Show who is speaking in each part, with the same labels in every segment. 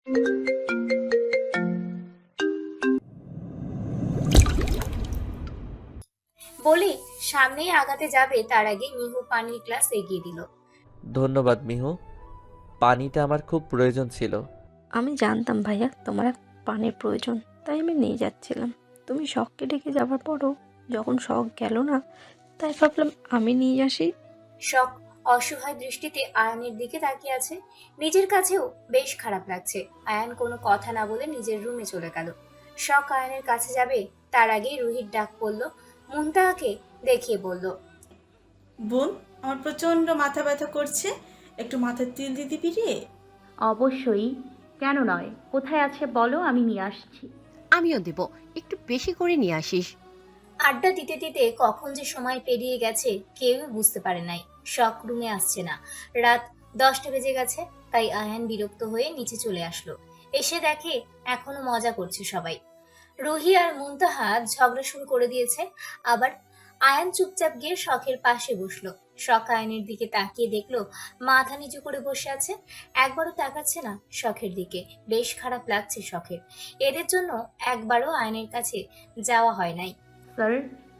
Speaker 1: বলে সামনেই আগাতে যাবে তার আগে মিহু পানির গ্লাস এগিয়ে দিল।
Speaker 2: ধন্যবাদ মিহু, পানিটা আমার খুব প্রয়োজন ছিল।
Speaker 3: আমি জানতাম ভাইয়া তোমার পানির প্রয়োজন, তাই আমি নিয়ে যাচ্ছিলাম। তুমি শখকে ডেকে যাবার পরও যখন শখ গেল না, তাই ভাবলাম আমি নিয়ে আসি।
Speaker 1: শখ অসহায় দৃষ্টিতে আয়ানের দিকে তাকিয়ে আছে। নিজের কাছেও বেশ খারাপ লাগছে। আয়ান কোনো কথা না বলে নিজের রুমে চলে গেল। শখ আয়ানের কাছে যাবে তার আগেই রুহির ডাক পড়ল। মুনতাহাকে দেখিয়ে বলল,
Speaker 4: বোন, আমার প্রচণ্ড মাথা ব্যথা করছে, একটু মাথার তেল দিয়ে দিবি রে?
Speaker 5: অবশ্যই, কেন নয়? কোথায় আছে বলো, আমি নিয়ে আসছি।
Speaker 6: আমিও দেব, একটু বেশি করে নিয়ে আসিস।
Speaker 1: আড্ডা দিতে দিতে কখন যে সময় পেরিয়ে গেছে কেউই বুঝতে পারে নাই। শখ রুমে আসছে না। রাত 10টা বেজে গেছে। তাই আয়ান বিরক্ত হয়ে নিচে চলে আসলো। এসে দেখে এখনো মজা করছে সবাই। রুহি আর মুনতাহা ঝগড়া শুরু করে দিয়েছে। আবার আয়ান চুপচাপ গিয়ে শখের পাশে বসলো। শখ আয়ানের দিকে তাকিয়ে দেখলো মাথা নিচু করে বসে আছে। একবারও তাকাচ্ছে না শখের দিকে। বেশ খারাপ লাগছে শখের। এদের জন্য একবারও আয়ানের কাছে যাওয়া হয় নাই।
Speaker 5: স্যার,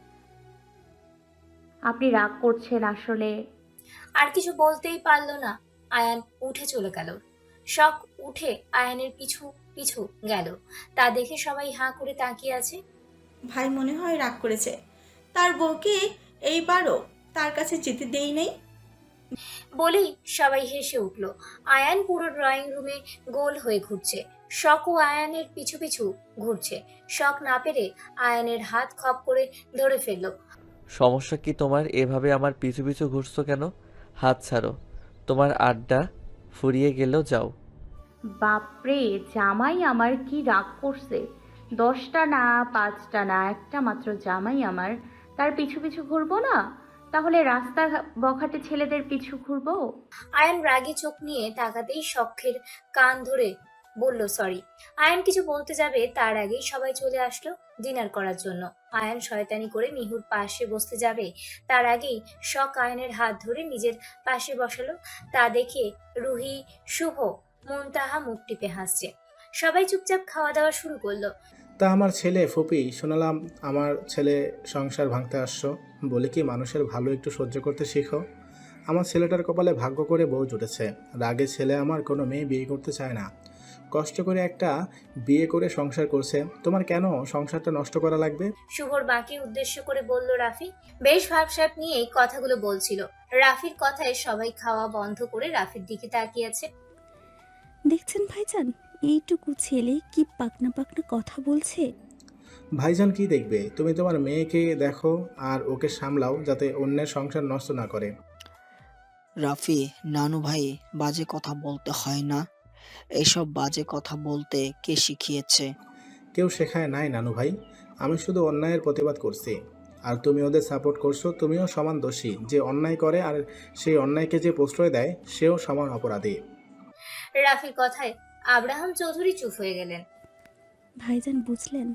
Speaker 5: আপনি রাগ করছেন আসলে।
Speaker 1: আর কিছু বলতেই পারলো না। আয়ান উঠে চলে গেল। শখ উঠে আয়ানের পিছু পিছু গেল। তা দেখে সবাই হাঁ করে তাকিয়ে আছে।
Speaker 4: ভাই মনে হয় রাগ করেছে, তার বউকে এইবারও তার কাছে যেতে দেই নাই।
Speaker 1: বলেই সবাই হেসে উঠল। আয়ান পুরো ড্রয়িং রুমে গোল হয়ে ঘুরছে। শখ ও আয়ানের পিছু পিছু ঘুরছে। শখ না পেরে আয়ানের হাত খপ করে ধরে ফেললো।
Speaker 2: সমস্যা কি তোমার? এভাবে আমার পিছু পিছু ঘুরছো কেন? হাত ছাড়ো। তোমার আড্ডা ফুরিয়ে গেলেও যাও।
Speaker 5: বাপরে, জামাই আমার কি রাগ করছে! 10টা না, 5টা না, একটা মাত্র জামাই আমার, তার পিছু পিছু ঘুরবো না? তাহলে রাস্তা বখাটে ছেলেদের পিছু ঘুরবো?
Speaker 1: আয়ান রাগে চোখ নিয়ে তাকাতেই শখের কান ধরে বলল সরি। আয়ান কিছু বলতে যাবে তার আগেই সবাই চলে আসলো ডিনার করার জন্য। আয়ান শয়তানি করে মিহুর পাশে বসতে যাবে তার আগেই শখ আয়ানের হাত ধরে নিজের পাশে বসালো। তা দেখে রুহি, শুভ, মুনতাহা মুখ টিপে হাসছে। সবাই চুপচাপ খাওয়া দাওয়া শুরু করলো।
Speaker 7: তা আমার ছেলে ফুপি, শোনালাম আমার ছেলে সংসার ভাঙতে আসছো, বলে কি মানুষের ভালো একটু সহ্য করতে শিখো। আমার ছেলেটার কপালে ভাগ্য করে বউ জুটেছে। রাগে ছেলে আমার কোনো মেয়ে বিয়ে করতে চায় না, কষ্ট করে একটা বিয়ে করে সংসার করছে। তোমার কেন সংসারটা নষ্ট করা লাগবে?
Speaker 1: শুভর বাঁকে উদ্দেশ্য করে বলল রাফি। বেশ ভাবসাব নিয়ে এই কথাগুলো বলছিল। রাফির কথায় সবাই খাওয়া বন্ধ করে রাফির দিকে তাকিয়ে আছে।
Speaker 8: দেখছেন ভাইজান, এইটুকু ছেলে কি পাকনা পাকনা কথা বলছে।
Speaker 7: ভাইজান কি দেখবে? তুমি তোমার মেয়েকে দেখো আর ওকে সামলাও, যাতে অন্যের সংসার নষ্ট না করে।
Speaker 9: রাফি, নানু ভাই, বাজে কথা বলতে হয় না। এইসব বাজে কথা বলতে কে শিখিয়েছে?
Speaker 7: কেউ শেখায় নাই নানু ভাই, আমি শুধু অন্যায়ের প্রতিবাদ করছি। আর তুমি ওদের সাপোর্ট করছো। তুমিও সমান দোষী। যে অন্যায় করে আর সেই অন্যায়কে যে প্রশ্রয় দেয় সেও সমান অপরাধী।
Speaker 1: রাফির কথায় আব্রাহাম চৌধুরী চুপ হয়ে গেলেন।
Speaker 8: ভাইজান বুঝলেন,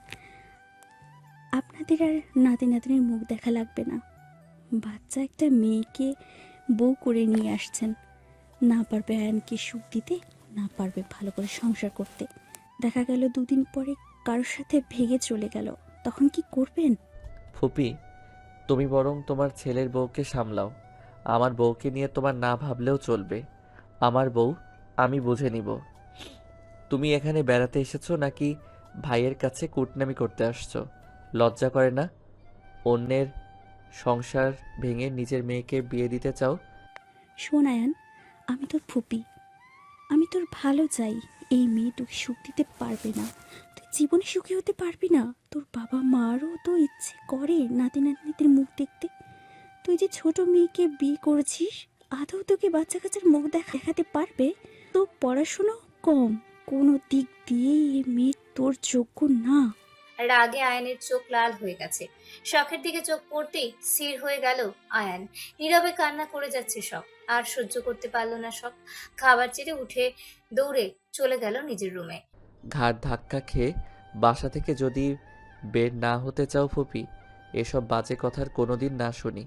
Speaker 8: আপনাদের আর নাতি নাতনির মুখ দেখা লাগবে না। বাচ্চা একটা মেয়েকে বউ করে নিয়ে আসছেন। না পারবে আয়ানকে সুখ দিতে, না পারবে ভালো করে সংসার করতে। দেখা গেল দুদিন পরে কারোর সাথে ভেগে চলে গেল, তখন কি করবেন?
Speaker 2: ফুপি, তুমি বরং তোমার ছেলের বউকে সামলাও। আমার বউকে নিয়ে তোমার না ভাবলেও চলবে। আমার বউ আমি বুঝে নিব। তুমি এখানে বেড়াতে এসেছো নাকি ভাইয়ের কাছে কুটনামি করতে আসছো? লজ্জা করে না? অন্যের সংসার ভেঙে নিজের মেয়েকে বিয়ে দিতে চাও?
Speaker 8: শোন আয়ান, আমি তোর ফুপি, আমি তোর ভালো চাই। এই মেয়ে তোকে সুখ দিতে পারবে না, তুই জীবনে সুখী হতে পারবি না। তোর বাবা মারও তো ইচ্ছে করে নাতি নাতনিদের মুখ দেখতে। তুই যে ছোট মেয়েকে বিয়ে করেছিস, আদৌ তোকে বাচ্চা কাচ্চার মুখ দেখাতে পারবে? তো পড়াশুনো কম, কোনো দিক দিয়েই এ মেয়ে তোর যোগ্য না।
Speaker 1: রাগে আয়ানের চোখ লাল হয়ে গেছে। শখের দিকে চোখ পড়তেই স্থির হয়ে গেল আয়ান। নীরবে কান্না করে যাচ্ছে শখ। আর সহ্য করতে পারলো না শখ। খাবার ছেড়ে উঠে দৌড়ে চলে গেল নিজের রুমে।
Speaker 2: ঘাড় ধাক্কা খেয়ে বাসা থেকে যদি বের না হতে চাও ফুপি, এসব বাজে কথার কোনোদিন না শুনি।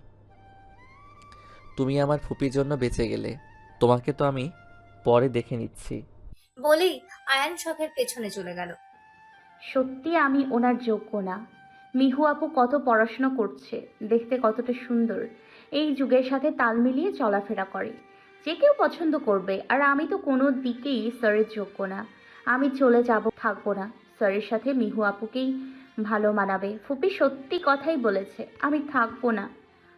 Speaker 2: তুমি আমার ফুপির জন্য বেঁচে গেলে, তোমাকে তো আমি পরে দেখে নিচ্ছি।
Speaker 1: বলেই আয়ান শখের পেছনে চলে গেল।
Speaker 5: সত্যি আমি ওনার যোগ্য না। মিহু আপু কত পড়াশোনা করছে, দেখতে কতটা সুন্দর, এই যুগের সাথে তাল মিলিয়ে চলাফেরা করে, যে কেউ পছন্দ করবে। আর আমি তো কোনো দিকেই স্যারের যোগ্য না। আমি চলে যাব, থাকবো না। স্যারের সাথে মিহু আপুকেই ভালো মানাবে। ফুপি সত্যি কথাই বলেছে, আমি থাকবো না।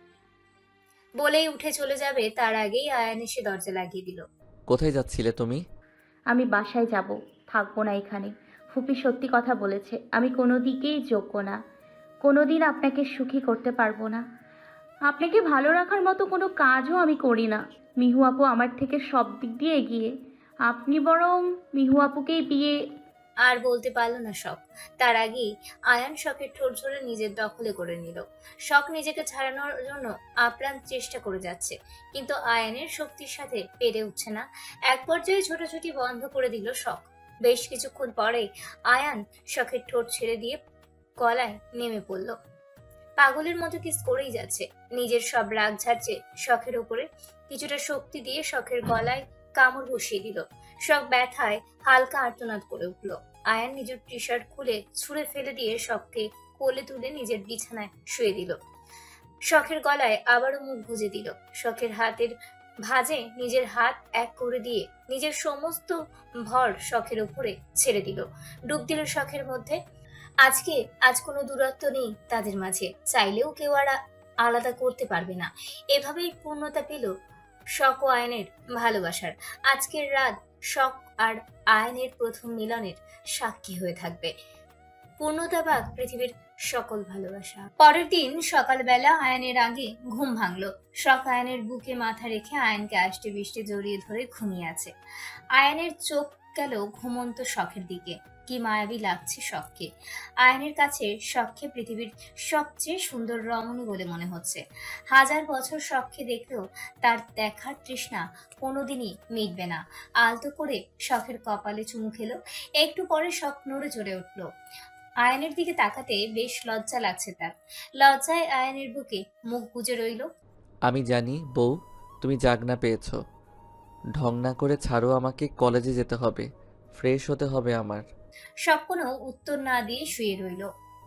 Speaker 1: বলেই উঠে চলে যাবে তার আগেই আয়ান এসে দরজা লাগিয়ে দিল।
Speaker 2: কোথায় যাচ্ছিলে তুমি?
Speaker 5: আমি বাসায় যাব, থাকবো না এখানে। ফুপি সত্যি কথা বলেছে, আমি কোনো দিকেই যোগ্য না। কোনো দিন আপনাকে সুখী করতে পারবো না। আপনাকে ভালো রাখার মতো কোনো কাজও আমি করি না। মিহু আপু আমার থেকে সব দিক দিয়ে এগিয়ে। আপনি বরং মিহু আপুকেই বিয়ে।
Speaker 1: আর বলতে পারল না শখ। তার আগেই আয়ান শখের ঠোঁট ধরে নিজের দখলে করে নিল। শখ নিজেকে ছাড়ানোর জন্য আপ্রাণ চেষ্টা করে যাচ্ছে, কিন্তু আয়ানের শক্তির সাথে পেরে উঠছে না। এক পর্যায়ে ছোটাছুটি বন্ধ করে দিল শখ। বেশ কিছুক্ষণ পরে আয়ান শখের ঠোঁট ছেড়ে দিয়ে গলায় নেমে পড়ল। পাগলের মতো কিস করেই যাচ্ছে, নিজের সব রাগ ঝাড়ছে শখের উপরে। কিছুটা শক্তি দিয়ে শখের গলায় কামড় বসিয়ে দিল। শখ ব্যথায় হালকা আর্তনাদ করে উঠল। আয়ান নিজের টি শার্ট খুলে ছুঁড়ে ফেলে দিয়ে শখকে কোলে তুলে নিজের বিছানায় শুয়ে দিল। শখের গলায় আবারও মুখ গুজে দিল। শখের হাতের ভাঁজে নিজের হাত এক করে দিয়ে নিজের সমস্ত ভর শখের উপরে ছেড়ে দিল। ডুব দিল শখের মধ্যে। আজ কোনো দূরত্ব নেই তাদের মাঝে, চাইলেও কেউ আর আলাদা করতে পারবে না। এভাবেই পূর্ণতা পেল শখ ও আয়নের ভালোবাসার। আজকের রাত শখ আর আয়নের প্রথম মিলনের সাক্ষী হয়ে থাকবে। পূর্ণতা বাদ পৃথিবীর সকল ভালোবাসা। পরের দিন সকালবেলা আয়নের আগে ঘুম ভাঙলো। শখ আয়নের বুকে মাথা রেখে আয়নকে আষ্টে বৃষ্টি জড়িয়ে ধরে ঘুমিয়ে আছে। আয়নের চোখ গেল ঘুমন্ত শখের দিকে। কি মায়াবী লাগছে শখকে। আয়নের কাছে শখকে পৃথিবীর সবচেয়ে সুন্দর রমণী বলে মনে হচ্ছে। হাজার বছর শখকে দেখলেও তার দেখার তৃষ্ণা কোনোদিনই মিটবে না। আলতো করে শখের কপালে চুমু খেলো। একটু পরে শখ নড়ে চড়ে উঠল। আয়নের দিকে তাকাতে বেশ লজ্জা লাগছে তার। লজ্জায় আয়নের বুকে মুখ গুজে রইল।
Speaker 2: আমি জানি বউ, তুমি জাগনা পেয়েছো। ঢং না করে ছাড়ো, আমাকে কলেজে যেতে হবে, ফ্রেশ হতে হবে আমার।
Speaker 1: সব কোনো উত্তর না দিয়ে শুয়ে রইল।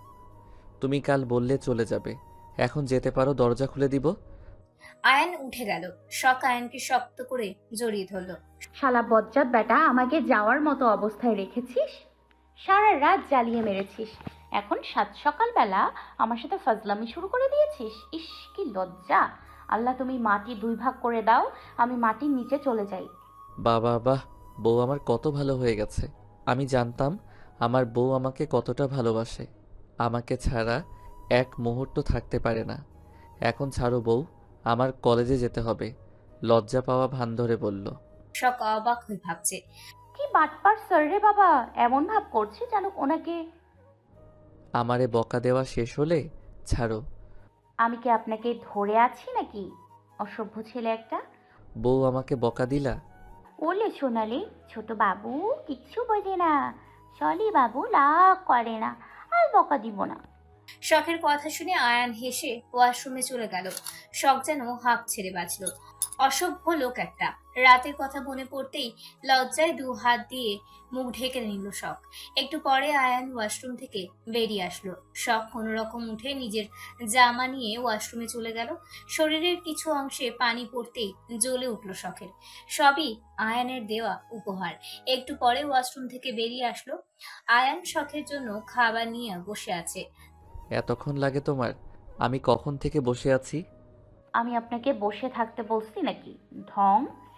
Speaker 2: তুমি কাল বললে চলে যাবে, এখন যেতে পারো, দরজা খুলে দিব।
Speaker 1: আয়ন উঠে গেল। শখ আয়নকে শক্ত করে জড়িয়ে ধরল।
Speaker 5: শালা বজ্জাত বেটা, আমাকে যাওয়ার মতো অবস্থায় রেখেছিস, সারা রাত জ্বালিয়ে মেরেছিস, এখন সাত সকালবেলা আমার সাথে ফাজলামি শুরু করে দিয়েছিস। ইস কি লজ্জা। আল্লাহ তুমি মাটি দুই ভাগ করে দাও, আমি মাটির নিচে চলে যাই।
Speaker 2: বাবা বাহ, বউ আমার কত ভালো হয়ে গেছে। আমি জানতাম আমার বউ আমাকে কতটা ভালোবাসে, আমাকে ছাড়া এক মুহূর্ত থাকতে পারে না। এখন ছাড়ো বউ, আমার কলেজে যেতে হবে, লজ্জা পাওয়া ভান ধরে বলল।
Speaker 1: শখ অবাক হয়ে ভাবছে।
Speaker 5: কি বাটপার স্যার রে বাবা, এমন ভাব করছে যেন ওনাকে।
Speaker 2: আমারে বকা দেওয়া শেষ হলে ছাড়ো।
Speaker 5: আমি কি আপনাকে ধরে আছি নাকি, অসভ্য ছেলে একটা।
Speaker 2: বউ আমাকে বকা দিলা?
Speaker 5: ওলে সোনালি, ছোট বাবু কিচ্ছু বোঝে না, সলি বাবু লাগ করে না, আর বকা দিব না।
Speaker 1: শখের কথা শুনে আয়ান হেসে ওয়াশরুমে চলে গেল। শখ যেন হাঁপ ছেড়ে বাঁচল। অসভ্য লোক একটা। রাতের কথা মনে পড়তেই লজ্জায় দু হাত দিয়ে মুখ ঢেকে নিল শখ। একটু পরে আয়ান ওয়াশরুম থেকে বেরিয়ে আসলো। শখ কোনোরকম উঠে নিজের জামা নিয়ে ওয়াশরুমে চলে গেল। শরীরের কিছু অংশে পানি পড়তেই জ্বলে উঠল শখের। সবই আয়ানের দেওয়া উপহার। একটু পরে ওয়াশরুম থেকে বেরিয়ে আসলো। আয়ান শখের জন্য খাবার নিয়ে বসে আছে।
Speaker 2: এতক্ষণ লাগে তোমার? আমি কখন থেকে বসে আছি?
Speaker 5: আমি আপনাকে বসে থাকতে বলছি নাকি, ঢং।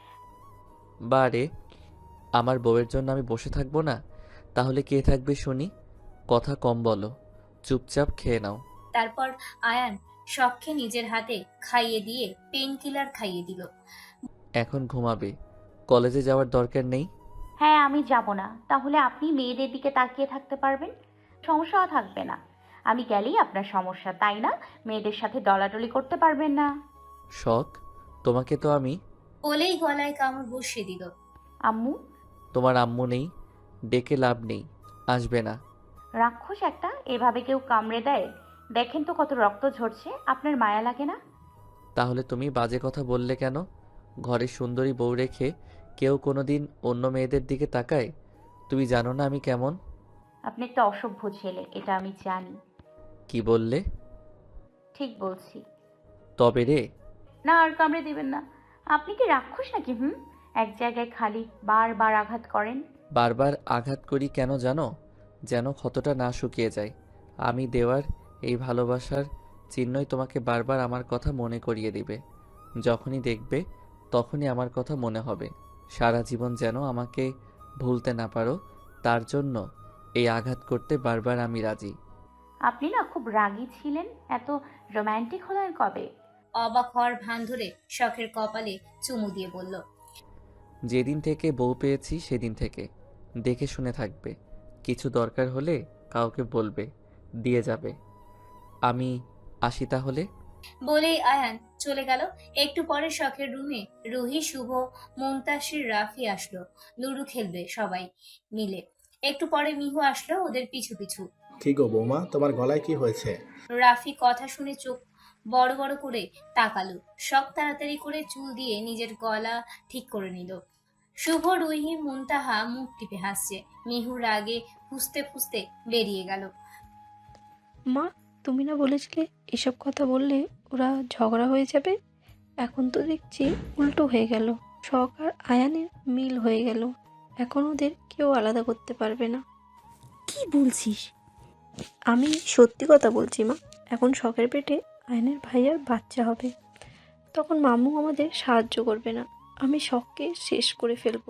Speaker 2: বারে, আমার বউয়ের জন্য আমি বসে থাকবো না? তাহলে কে থাকবে শুনি? কথা কম বলো, চুপচাপ খেয়ে নাও।
Speaker 1: তারপর আয়ান শখকে নিজের হাতে খাইয়ে দিয়ে পেন কিলার খাইয়ে দিল।
Speaker 2: এখন ঘুমাবে, কলেজে যাওয়ার দরকার নেই।
Speaker 5: হ্যাঁ আমি যাব না, তাহলে আপনি মেয়েদের দিকে তাকিয়ে থাকতে পারবেন, সমস্যাও থাকবে না। আমি গেলেই আপনার সমস্যা, তাই না? মেয়েদের সাথে ডলাডলি করতে পারবেন না।
Speaker 2: শখ, তোমাকে তো আমি।
Speaker 1: বলেই গলায় কামড় বসিয়ে দিল।
Speaker 5: আম্মু।
Speaker 2: তোমার আম্মু নেই, ডেকে লাভ নেই, আসবে না।
Speaker 5: রাক্ষস একটা, এভাবে কেউ কামড়ে দেয়? দেখেন তো কত রক্ত ঝরছে, আপনার মায়া লাগে না?
Speaker 2: তাহলে তুমি বাজে কথা বললে কেন? ঘরে সুন্দরী বউ রেখে কেউ কোনোদিন অন্য মেয়েদের দিকে তাকায়? তুমি জানো না আমি কেমন?
Speaker 5: আপনি একটা অসভ্য ছেলে, এটা আমি জানি।
Speaker 2: কি বললে?
Speaker 5: ঠিক বলছি।
Speaker 2: তবে রে।
Speaker 5: না, আর কামড়ে দিবেন না। আপনি কি রাক্ষস নাকি? এক জায়গায় খালি বারবার আঘাত করেন।
Speaker 2: বারবার আঘাত করি কেন জানো? যেন ক্ষতটা না শুকিয়ে যায়। আমি দেওয়ার এই ভালোবাসার চিহ্নই তোমাকে বারবার আমার কথা মনে করিয়ে দিবে। যখনই দেখবে তখনই আমার কথা মনে হবে। সারা জীবন যেন আমাকে ভুলতে না পারো, তার জন্য এই আঘাত করতে বারবার আমি রাজি।
Speaker 5: আপনি না খুব রাগী ছিলেন। এত রোম্যান্টিক হলেন কবে?
Speaker 1: অবাক হওয়ার ভান ধরে শখের কপালে চুমু দিয়ে বলল,
Speaker 2: যেদিন থেকে বউ পেয়েছি সেদিন থেকে। দেখে শুনে থাকবে, কিছু দরকার হলে কাউকে বলবে, দিয়ে যাবে। আমি আসি তাহলে।
Speaker 1: বলেই আয়ান চলে গেল। একটু পরে শখের রুমে রুহি, শুভ, মুনতাসির, রাফি আসলো। লুডো খেলবে সবাই মিলে। একটু পরে মিহু আসলো ওদের পিছু পিছু।
Speaker 7: কি গো বৌমা, তোমার গলায় কি হয়েছে?
Speaker 1: রাফি কথা শুনে চোখ বড় বড় করে তাকালো। শখ তাড়াতাড়ি করে চুল দিয়ে নিজের গলা ঠিক করে নিল। শুভ, রুহি, মুনতাহা মুখ টিপে হাসছে। মিহু রাগে ফুঁসতে ফুঁসতে বেরিয়ে গেল।
Speaker 3: মা, তুমি না বলেছিলে এসব কথা বললে ওরা ঝগড়া হয়ে যাবে? এখন তো দেখছি উল্টো হয়ে গেল। শখ আর আয়ানের মিল হয়ে গেল। এখন ওদের কেউ আলাদা করতে পারবে না।
Speaker 8: কি বলছিস?
Speaker 3: আমি সত্যি কথা বলছি মা। এখন শখের পেটে আয়নের ভাইয়ার বাচ্চা হবে। তখন মামু আমাদের সাহায্য করবে না। আমি শখকে শেষ করে ফেলবো।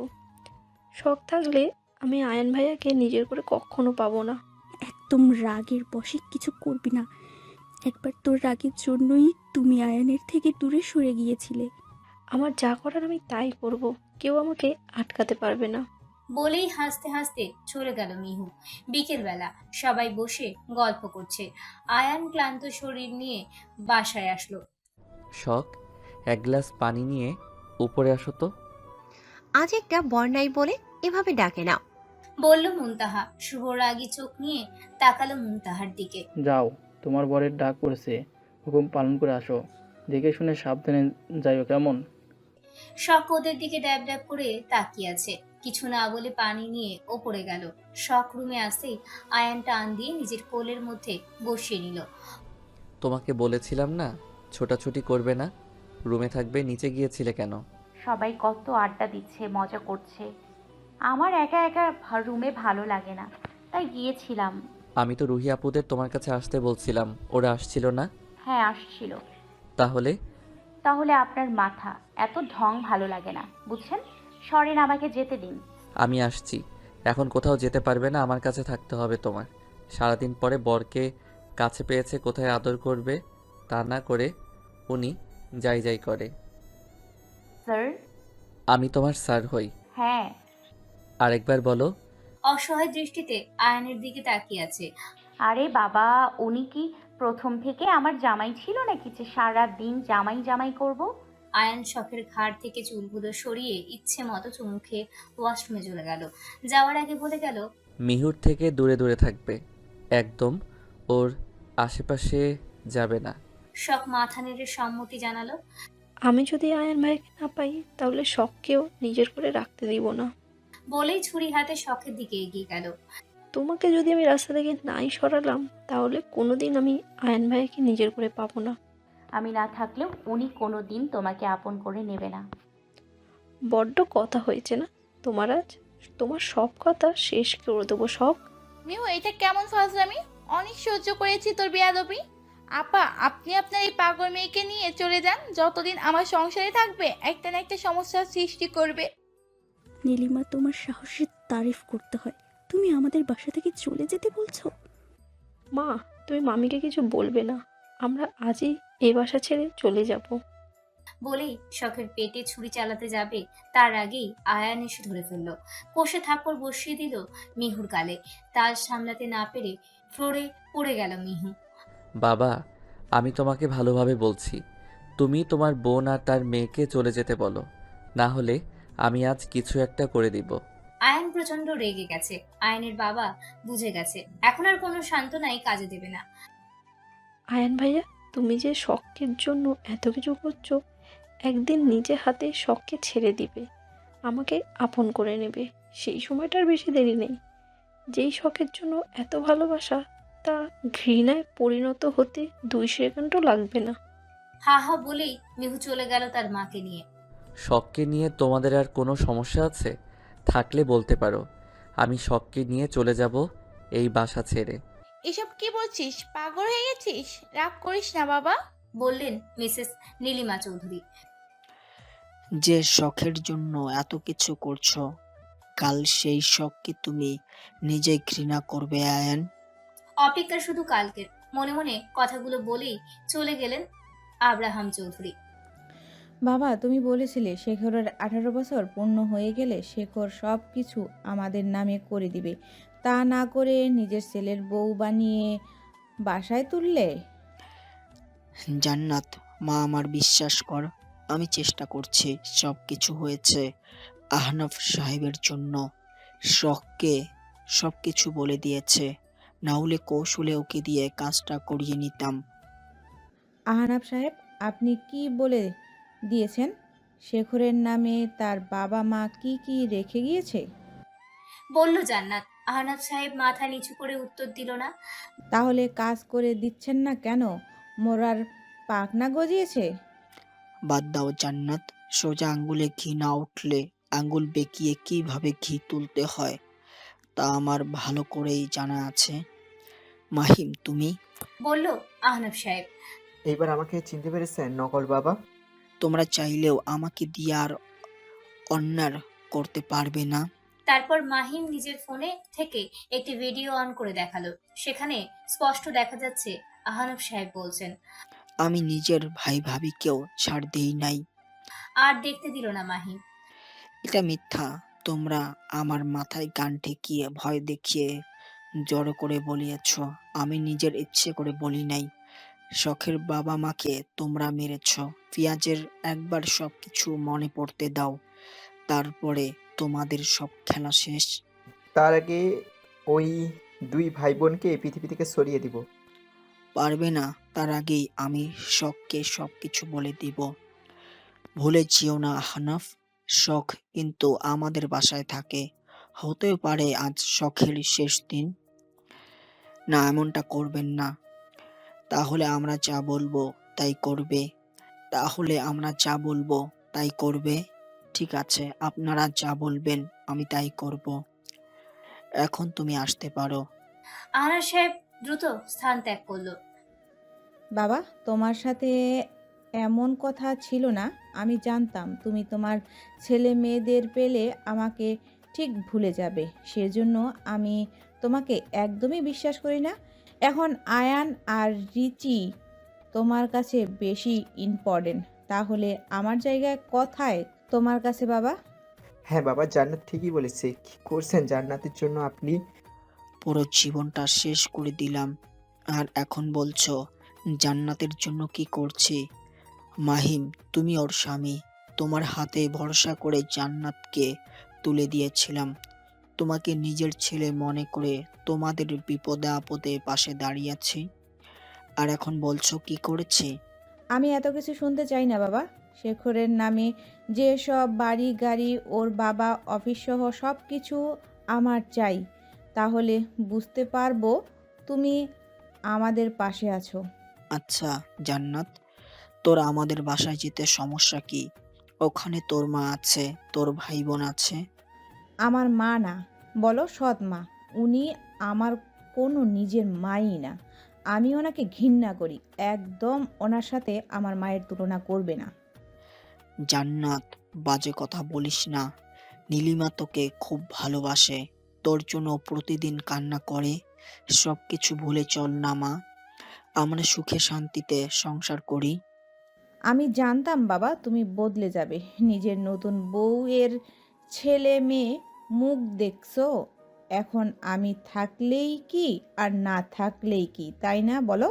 Speaker 3: শখ থাকলে আমি আয়ন ভাইয়াকে নিজের করে কখনো পাবো না।
Speaker 8: একদম রাগের বশে কিছু করবি না। একবার তোর রাগের জন্যই তুমি আয়ানের থেকে দূরে সরে গিয়েছিলে।
Speaker 3: আমার যা করার আমি তাই করব। কেউ আমাকে আটকাতে পারবে না।
Speaker 1: বলেই হাসতে হাসতে চলে গেল মিহু। বিকেলবেলা সবাই বসে গল্প করছে। আয়ান ক্লান্ত শরীর নিয়ে বাসায় আসলো।
Speaker 2: শখ, এক গ্লাস পানি নিয়ে উপরে আসো তো।
Speaker 6: আজ একটা বর্ণাই বলে এভাবে ডাকে না।
Speaker 1: বলল মুনতাহা। শুভ রাগী চোখ নিয়ে তাকালো মুনতাহার দিকে।
Speaker 10: যাও, তোমার বরের ডাক পড়েছে, হুকুম পালন করে আসো। দেখে শুনে সাবধানে যাইও কেমন?
Speaker 1: শখ ওদের দিকে ড্যাব ড্যাব করে তাকিয়ে আছে। কিছু না বলে পানি নিয়ে ওপরে গেল। শখ রুমে আসতেই আয়ান টান দিয়ে নিজের কোলের মধ্যে বসিয়ে নিল।
Speaker 2: তোমাকে বলেছিলাম না ছোটাছুটি করবে না, রুমে থাকবে, নিচে গিয়েছিলে কেন?
Speaker 5: সবাই কত আড্ডা দিচ্ছে, মজা করছে। আমার একা একা রুমে ভালো লাগে না, তাই গিয়েছিলাম।
Speaker 2: আমি তো রুহি আপুদের তোমার কাছে আসতে বলছিলাম, ওরা আসছিল না?
Speaker 5: হ্যাঁ, আসছিল।
Speaker 2: তাহলে?
Speaker 5: তাহলে আপনার মাথা, এত ঢং ভালো লাগে না, বুঝছেন? সরেন, আমাকে যেতে দিন।
Speaker 2: আমি আসছি। এখন কোথাও যেতে পারবে না, আমার কাছে থাকতে হবে তোমার। সারাদিন পরে বরকে কাছে পেয়েছে, কোথায় আদর করবে, তা না করে উনি যাই যাই করে।
Speaker 5: স্যার?
Speaker 2: আমি তোমার স্যার হই?
Speaker 5: হ্যাঁ।
Speaker 2: আরেকবার বলো।
Speaker 1: অসহায় দৃষ্টিতে আয়ানের দিকে তাকিয়ে আছে।
Speaker 5: আরে বাবা, উনি কি প্রথম থেকে আমার জামাই ছিল নাকি যে সারা দিন জামাই জামাই করব?
Speaker 1: আয়ান শখের ঘাড় থেকে চুলগুলো সরিয়ে ইচ্ছে মতো চুমু খেয়ে ওয়াশরুমে চলে গেল। যাওয়ার আগে বলে গেল,
Speaker 2: মিহুর থেকে দূরে দূরে থাকবে, একদম ওর আশেপাশে যাবে না।
Speaker 1: শখ মাথা নেড়ে সম্মতি জানালো।
Speaker 3: আমি যদি আয়ন ভাইকে না পাই তাহলে শখকেও নিজের করে রাখতে দিব না।
Speaker 1: বলেই ছুরি হাতে শখের দিকে এগিয়ে গেল।
Speaker 3: তোমাকে যদি আমি রাস্তা থেকে নাই সরালাম তাহলে কোনোদিন আমি আয়ন ভাইকে নিজের করে পাবো না।
Speaker 5: আমি না থাকলেও উনি কোনো দিন তোমাকে আপন করে নেবে না।
Speaker 3: বড্ড কথা হয়েছে না তোমার আজ? তোমার সব কথা শেষ করে দেবো শখ।
Speaker 11: মিহু, এটা কেমন ফাজলামি? অনেক সহ্য করেছি তোর বেয়াদবি। আপা, আপনি আপনার এই পাগল মেয়েকে নিয়ে চলে যান। যতদিন আমার সংসারে থাকবে একটা না একটা সমস্যার সৃষ্টি করবে।
Speaker 8: নীলিমা, তোমার সাহসের তারিফ করতে হয়। তুমি আমাদের বাসা থেকে চলে যেতে বলছো?
Speaker 3: মা, তুমি মামিকে কিছু বলবে না। আমরা আজই এই বাসা ছেড়ে চলে যাব।
Speaker 1: বলেই শখের পেটে ছুরি চালাতে যাবে, তার আগেই আয়ান এসে ধরে ফেলল। কষে থাপ্পড় বসিয়ে দিল মিহুর গালে। তাল সামলাতে না পেরে ফ্লোরে পড়ে গেল মিহু।
Speaker 2: বাবা, আমি তোমাকে ভালোভাবে বলছি, তুমি তোমার বোন আর তার মেয়েকে চলে যেতে বলো, না হলে আমি আজ কিছু একটা করে দিব।
Speaker 1: আয়ান প্রচন্ড রেগে গেছে। আয়ানের বাবা বুঝে গেছে এখন আর কোনো সান্ত্বনাই কাজে দেবে না।
Speaker 3: আয়ন ভাইয়া, তুমি যে শখের জন্য এত কিছু করছো, একদিন নিজে হাতে শখকে ছেড়ে দিবে। আমাকে আপন করে নেবে। সেই সময়টার বেশি দেরি নেই। যেই শখের জন্য এত ভালোবাসা, তা ঘৃণায় পরিণত হতে 2 সেকেন্ডও লাগবে না।
Speaker 1: হা হা বলেই মিহু চলে গেল তার মাকে নিয়ে।
Speaker 2: শখকে নিয়ে তোমাদের আর কোনো সমস্যা আছে? থাকলে বলতে পারো। আমি শখকে নিয়ে চলে যাব এই বাসা ছেড়ে।
Speaker 11: এসব কি বলছিস? পাগল হয়ে গেছিস? রাগ করিস না বাবা।
Speaker 1: বললেন মিসেস নীলিমা চৌধুরী।
Speaker 9: যে শখের জন্য এত কিছু করছো, কাল সেই শখকে তুমি নিজে ঘৃণা করবে আয়ান।
Speaker 1: অপেক্ষা শুধু কালকের। মনে মনে কথাগুলো বলেই চলে গেলেন আব্রাহাম চৌধুরী।
Speaker 12: বাবা, তুমি বলেছিলে শেখরের 18 বছর পূর্ণ হয়ে গেলে শেখর সব কিছু আমাদের নামে করে দিবে। তা না করে নিজের ছেলের বউ বানিয়ে বাসায় তুললে।
Speaker 9: জান্নাত, মা আমার বিশ্বাস কর, আমি চেষ্টা করছি। সব কিছু হয়েছে আহনাফ সাহেবের জন্য। শখকে সব কিছু বলে দিয়েছে, না হলে কৌশলে ওকে দিয়ে কাজটা করিয়ে নিতাম।
Speaker 12: আহনাফ সাহেব, আপনি কি বলে দিয়েছেন? শেখরের নামে তার বাবা মা কি কি রেখে গিয়েছে?
Speaker 1: বলল জান্নাত। আহনাফ সাহেব মাথা নিচু করে উত্তর দিল না।
Speaker 12: তাহলে কাজ করে দিচ্ছেন না কেন? মোরার পাখনা গজিয়েছে।
Speaker 9: বাদ দাও জান্নাত, সোজা আঙ্গুলে ঘি না উঠলে আঙ্গুল বেঁকিয়ে কিভাবে ঘি তুলতে হয় তা আমার ভালো করেই জানা আছে। মাহিম, তুমি?
Speaker 1: বলল আহনাফ সাহেব।
Speaker 13: এইবার আমাকে চিনতে পেরেছেন নকল বাবা?
Speaker 9: তোমরা চাইলেও আমাকে দিয়ে আর অন্যায় করতে পারবে না।
Speaker 1: তারপর মাহিম নিজের ফোনে থেকে একটি ভিডিও অন করে দেখালো। সেখানে স্পষ্ট দেখা যাচ্ছে আহনাফ সাহেব বলছেন।
Speaker 9: আমি নিজের ভাই ভাবিকেও ছাড় দেই নাই।
Speaker 1: আর দেখতে দিল না মাহিম।
Speaker 9: এটা মিথ্যা। তোমরা আমার মাথায় গান ঠেকিয়ে ভয় দেখিয়ে জড়ো করে বলিয়েছ। আমি নিজের ইচ্ছে করে বলি নাই। শখের বাবা মাকে তোমরা মেরেছ। পিয়াজের একবার সবকিছু মনে পড়তে দাও, তারপরে তোমাদের সব খেলা শেষ।
Speaker 13: তার আগে ওই 2 ভাই বোনকে এই পৃথিবী থেকে সরিয়ে দিব।
Speaker 9: পারবে না। তার আগেই আমি শখকে সবকিছু বলে দিব। ভুলে যেও না আহনাফ, শখ কিন্তু আমাদের বাসায় থাকে। হতেও পারে আজ শখের শেষ দিন। না, এমনটা করবেন না। তাহলে আমরা যা বলবো তাই করবে। তাহলে আমরা যা বলবো তাই করবে। ঠিক আছে, আপনারা যা বলবেন আমি তাই করব। এখন তুমি আসতে পারো।
Speaker 1: আহনাফ সাহেব দ্রুত স্থান ত্যাগ করলো।
Speaker 12: বাবা, তোমার সাথে এমন কথা ছিল না। আমি জানতাম তুমি তোমার ছেলে মেয়েদের পেলে আমাকে ঠিক ভুলে যাবে। সেজন্য আমি তোমাকে একদমই বিশ্বাস করি না। এখন আয়ান আর রিচি তোমার কাছে বেশি ইম্পর্টেন্ট। তাহলে আমার জায়গায় কোথায় তোমার কাছে বাবা?
Speaker 13: হ্যাঁ বাবা, জান্নাত ঠিকই বলেছে। কি করছেন জান্নাতের জন্য আপনি?
Speaker 9: পুরো জীবনটা শেষ করে দিলাম, আর এখন বলছো জান্নাতের জন্য কি করছি? মাহিম, তুমি ওর স্বামী। তোমার হাতে ভরসা করে জান্নাতকে তুলে দিয়েছিলাম। তোমাকে নিজের ছেলে মনে করে তোমাদের বিপদে আপদে পাশে দাঁড়িয়েছি, আর এখন বলছো কি করেছি?
Speaker 12: আমি এত কিছু শুনতে চাই না বাবা। শেখরের নামে যে সব বাড়ি গাড়ি, ওর বাবা অফিস সহ সব কিছু আমার চাই। তাহলে বুঝতে পারবো তুমি আমাদের পাশে আছো।
Speaker 9: আচ্ছা জান্নাত, তোর আমাদের বাসায় যেতে সমস্যা কি? ওখানে তোর মা আছে, তোর ভাই বোন আছে।
Speaker 12: আমার মা না, বলো সৎ মা। উনি আমার কোনো নিজের মাই না। আমি ওনাকে ঘৃণা করি। একদম ওনার সাথে আমার মায়ের তুলনা করবে না।
Speaker 9: জান্নাত, বাজে কথা বলিস না। নীলিমা তোকে খুব ভালোবাসে, তোর জন্য প্রতিদিন কান্না করে। সব কিছু ভুলে চল না মা, আমরা সুখে শান্তিতে সংসার করি।
Speaker 12: আমি জানতাম বাবা তুমি বদলে যাবে। নিজের নতুন বউয়ের ছেলে মেয়ে মুখ দেখছো। এখন আমি থাকলেই কি আর না থাকলেই কি, তাই না বলো?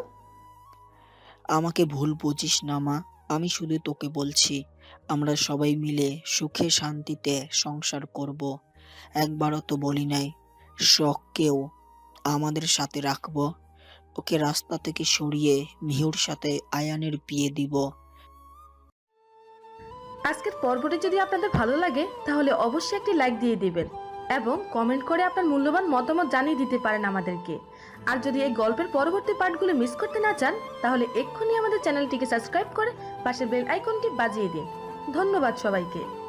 Speaker 9: আমাকে ভুল বুঝিস না মা, আমি শুধু তোকে বলছি আমরা সবাই মিলে সুখে শান্তিতে সংসার করব। একবারও তো বলি নাই শখকেও আমাদের সাথে রাখবো। ওকে রাস্তা থেকে সরিয়ে মিহুর সাথে আয়ানের বিয়ে দিব।
Speaker 14: আজকের পর্বটি যদি আপনাদের ভালো লাগে তাহলে অবশ্যই একটি লাইক দিয়ে দিবেন এবং কমেন্ট করে আপনার মূল্যবান মতামত জানিয়ে দিতে পারেন আমাদেরকে। আর যদি এই গল্পের পরবর্তী পার্টগুলো মিস করতে না চান তাহলে এক্ষুনি আমাদের চ্যানেলটিকে সাবস্ক্রাইব করে পাশের বেল আইকনটি বাজিয়ে দিন। ধন্যবাদ সবাইকে।